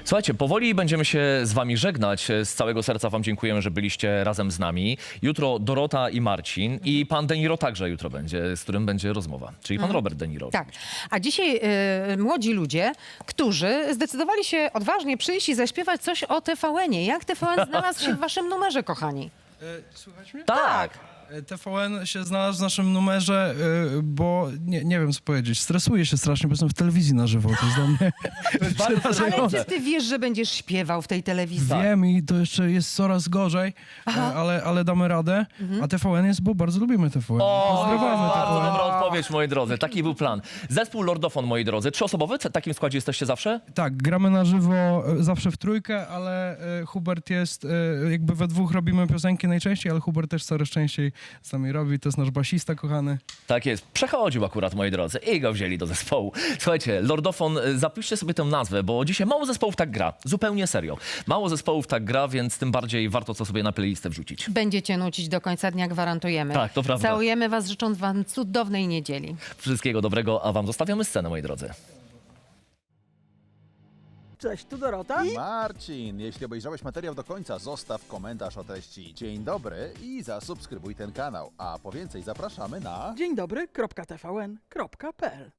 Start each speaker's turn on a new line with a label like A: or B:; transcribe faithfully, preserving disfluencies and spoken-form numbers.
A: Słuchajcie, powoli będziemy się z wami żegnać. Z całego serca wam dziękujemy, że byliście razem z nami. Jutro Dorota i Marcin i pan De Niro także jutro będzie, z którym będzie rozmowa. Czyli pan Robert De Niro.
B: Tak. A dzisiaj y, młodzi ludzie, którzy zdecydowali się odważnie przyjść i zaśpiewać coś o T V N-ie. Jak T V N znalazł się w waszym numerze, kochani?
C: E, Słuchać mnie?
A: Tak.
C: E, T V N się znalazł w naszym numerze, e, bo nie, nie wiem co powiedzieć. Stresuję się strasznie, bo jestem w telewizji na żywo. To jest dla mnie
A: Bardzo
B: Ale
C: przerażające.
B: czy ty wiesz, że będziesz śpiewał w tej telewizji?
C: Wiem i to jeszcze jest coraz gorzej, e, ale, ale damy radę. A T V N jest, bo bardzo lubimy T V N.
A: O,
C: Pozdrawiamy
A: bardzo
C: T V N.
A: dobra odpowiedź, moi drodzy. Taki był plan. Zespół Lordofon, moi drodzy. Trzyosobowy? W takim składzie jesteście zawsze?
C: Tak, gramy na żywo e, zawsze w trójkę, ale e, Hubert jest, e, jakby we dwóch robimy piosenki najczęściej, ale Hubert też coraz częściej z nami robi. To jest nasz basista kochany.
A: Tak jest. Przechodził akurat, moi drodzy. I go wzięli do zespołu. Słuchajcie, Lordofon, y, zapiszcie sobie tę nazwę, bo dzisiaj mało zespołów tak gra. Zupełnie serio. Mało zespołów tak gra, więc tym bardziej warto co sobie na playlistę wrzucić.
B: Będziecie nucić do końca dnia, gwarantujemy.
A: Tak, to prawda.
B: Całujemy was, życząc wam cudownej niedzieli.
A: Wszystkiego dobrego, a wam zostawiamy scenę, moi drodzy.
D: Cześć, tu Dorota.
E: Marcin, jeśli obejrzałeś materiał do końca, zostaw komentarz o treści. Dzień dobry i zasubskrybuj ten kanał. A po więcej zapraszamy na...
D: Dzień dobry, kropka T V N, kropka P L.